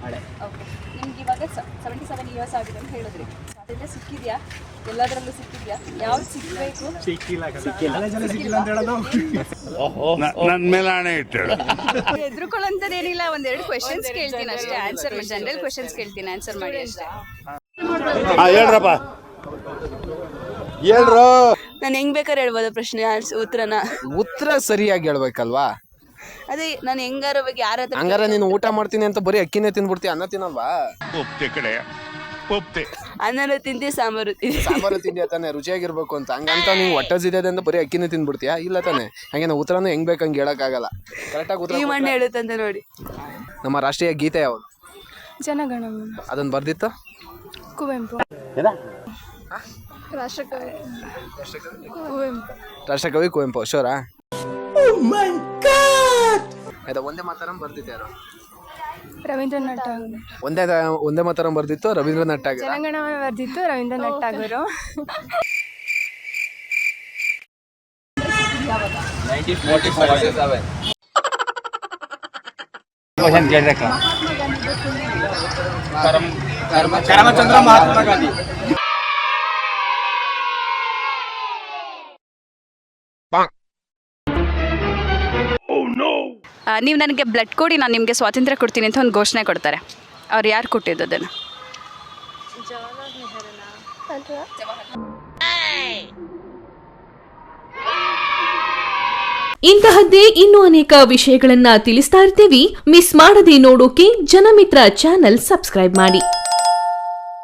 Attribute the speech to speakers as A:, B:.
A: ಹಳೆ.
B: ಓಕೆ, ನಿಮ್ಗೆ ಇವಾಗ 77 ಇಯರ್ಸ್ ಆಗಿದೆ ಅಂತ ಹೇಳಿದ್ರಿ. ಅದೆಲ್ಲ ಸಿಕ್ಕಿದ್ಯಾ? ಎಲ್ಲದರಲ್ಲೂ ಸಿಕ್ಕಿದ್ಯಾ? ಯಾವ್ದು ಸಿಕ್ಬೇಕು?
A: ಸಿಕ್ಕಿಲ್ಲ.
C: ನನ್ನ ಮೇಲೆ ಹಣೆ ಇಟ್ಟಳು.
B: ಎದುರುಕೊಳ್ಳೋಂಥದ್ದೇನಿಲ್ಲ, ಒಂದೆರಡು ಕ್ವೆಶನ್ಸ್ ಕೇಳ್ತೀನಿ ಅಷ್ಟೇ, ಆನ್ಸರ್ ಜನರಲ್ ಕ್ವೆಶನ್ಸ್ ಕೇಳ್ತೀನಿ, ಆನ್ಸರ್ ಮಾಡಿ ಅಷ್ಟೇ.
C: ಹೇಳ್ರಪ್ಪ, ಹೇಳ್ರು.
B: ನಾನು ಹೆಂಗ್ ಬೇಕಾದ್ರೆ ಹೇಳ್ಬೋದು ಪ್ರಶ್ನೆ
D: ಉತ್ತರ ಸರಿಯಾಗಿ ಹೇಳ್ಬೇಕಲ್ವಾ?
B: ಅದೇ ನಾನು ಹೆಂಗಾರ ಬಗ್ಗೆ ಯಾರ ಹತ್ರ
D: ಹಂಗಾರೆ ನೀನು ಊಟ ಮಾಡ್ತೀನಿ ಅಂತ ಬರೀ ಅಕ್ಕಿನೇ ತಿಂದ್ಬಿಡ್ತೀಯ, ಅನ್ನ ತಿನ್ನಲ್ವಾ?
C: ಒಪ್ತೆ ಕಡೆ ಒಪ್ತೆ.
B: ಅನ್ನನೂ ತಿಂತಿ, ಸಾಂಬಾರು ತಿಂತಿ.
D: ಸಾಂಬಾರು ತಿಂದಿಯ ತಾನೆ, ರುಚಿಯಾಗಿರ್ಬೇಕು ಅಂತ. ಹಂಗಂತ ನೀವು ಹೊಟ್ಟೆ ಅಂತ ಬರೀ ಅಕ್ಕಿನೇ ತಿಂದ್ಬಿಡ್ತೀಯಾ? ಇಲ್ಲ ತಾನೆ. ಹಂಗೆ ನಾವು ಉತ್ತರನೂ ಹೆಂಗ್ ಬೇಕಂಗೆ ಹೇಳಕ್ಕಾಗಲ್ಲ. ಕರೆಕ್ಟಾಗಿ ಉತ್ತರ
B: ಈ ಮಣ್ಣು ಹೇಳುತ್ತಂತ ನೋಡಿ.
D: ನಮ್ಮ ರಾಷ್ಟ್ರೀಯ ಗೀತೆ ಯಾವುದು?
E: ಜನಗಣಮನ.
D: ಅದನ್ನ ಬರ್ದಿತ್ತು
E: ಕುವೆಂಪು. ರಾಷ್ಟ್ರಕವಿ ಕುವೆಂಪು.
D: ರಾಷ್ಟ್ರಕವಿ ಕುವೆಂಪು. ಶೋರಾ? ಆಯ್ತಾ. ಒಂದೇ ಮಾತರಂ ಬರ್ದಿತ್ತು ಯಾರು?
E: ರವೀಂದ್ರನಾಥ್ ಠಾಗೂರ್.
D: ಒಂದೇ ಮಾತರಂ ಬರ್ದಿತ್ತು ರವೀಂದ್ರನಾಥ್ ಠಾಗೂರ್.
E: ಜನಗಣಮನ ಬರ್ದಿತ್ತು ರವೀಂದ್ರನಾಥ್ ಠಾಗೂರು.
A: 1947. ಕರಮಚಂದ್ರ ಮಹಾತ್ಮ ಗಾಂಧಿ.
B: ನೀವು ನನಗೆ ಬ್ಲಡ್ ಕೊಡಿ, ನಾನು ನಿಮಗೆ ಸ್ವಾತಂತ್ರ್ಯ ಕೊಡ್ತೀನಿ ಅಂತ ಒಂದು ಘೋಷಣೆ ಕೊಡ್ತಾರೆ. ಅವ್ರು ಯಾರು ಕೊಟ್ಟಿದ್ದು ಅದನ್ನು?
F: ಇಂತಹದ್ದೇ ಇನ್ನೂ ಅನೇಕ ವಿಷಯಗಳನ್ನ ತಿಳಿಸ್ತಾ ಇರ್ತೀವಿ. ಮಿಸ್ ಮಾಡದೆ ನೋಡೋಕೆ ಜನಮಿತ್ರ ಚಾನೆಲ್ ಸಬ್ಸ್ಕ್ರೈಬ್ ಮಾಡಿ.